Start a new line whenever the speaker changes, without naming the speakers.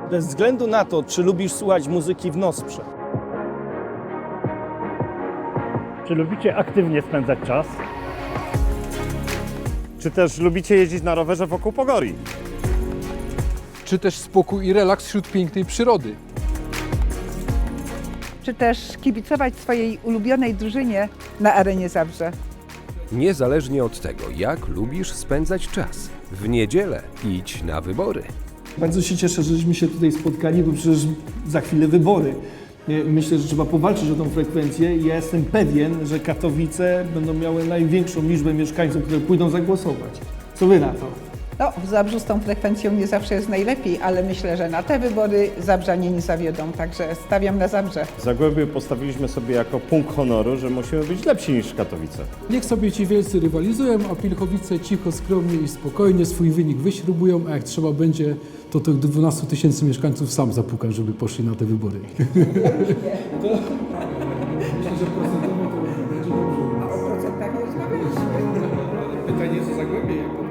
Bez względu na to, czy lubisz słuchać muzyki w Nosprze,
Czy lubicie aktywnie spędzać czas?
Czy też lubicie jeździć na rowerze wokół Pogori?
Czy też spokój i relaks wśród pięknej przyrody?
Czy też kibicować swojej ulubionej drużynie na Arenie Zabrze.
Niezależnie od tego, jak lubisz spędzać czas, w niedzielę idź na wybory.
bardzo się cieszę, żeśmy się tutaj spotkali, bo przecież za chwilę wybory. Myślę, że trzeba powalczyć o tą frekwencję i ja jestem pewien, że Katowice będą miały największą liczbę mieszkańców, które pójdą zagłosować. Co wy na to?
No, w Zabrzu z tą frekwencją nie zawsze jest najlepiej, ale myślę, że na te wybory Zabrzanie nie zawiodą, także stawiam na Zabrze.
W Zagłębiu postawiliśmy sobie jako punkt honoru, że musimy być lepsi niż Katowice.
Niech sobie ci wielcy rywalizują, a Pilchowice cicho, skromnie i spokojnie swój wynik wyśrubują, a jak trzeba będzie, to tych 12 000 mieszkańców sam zapuka, żeby poszli na te wybory. Myślę, że procentowo to będzie dobrze.
A o procentach nie rozmawialiśmy.
Pytanie, co Zagłębie, jak